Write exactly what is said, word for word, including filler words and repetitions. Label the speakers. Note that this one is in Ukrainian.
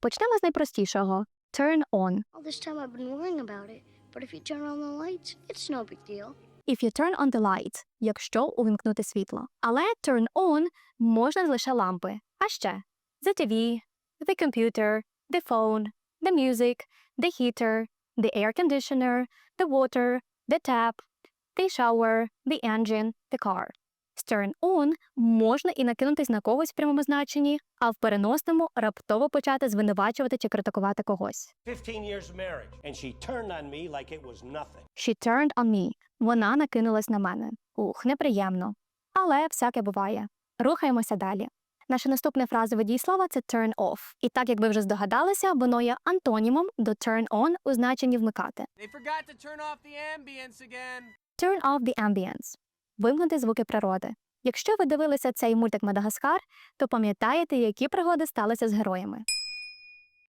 Speaker 1: Почнемо з найпростішого. Turn on.
Speaker 2: All this time I've been worrying about it, but if you turn on the lights, it's no big deal.
Speaker 1: If you turn on the light, якщо увімкнути світло. Але turn on можна лише лампи. А ще the ті ві, the computer, the phone, the music, the heater, the air conditioner, the water, the tap, the shower, the engine, the car. З turn on можна і накинутись на когось в прямому значенні, а в переносному раптово почати звинувачувати чи критикувати когось.
Speaker 3: fifteen years of marriage, and she turned on me like it was nothing.
Speaker 1: She turned on me. Вона накинулась на мене. Ух, неприємно. Але всяке буває. Рухаємося далі. Наше наступне фразове дієслово – це turn off. І так, як ви вже здогадалися, воно є антонімом до turn on у значенні вмикати.
Speaker 4: They forgot to turn off the ambience again.
Speaker 1: Turn off the ambience. Вимкнути звуки природи. Якщо ви дивилися цей мультик «Мадагаскар», то пам'ятаєте, які пригоди сталися з героями.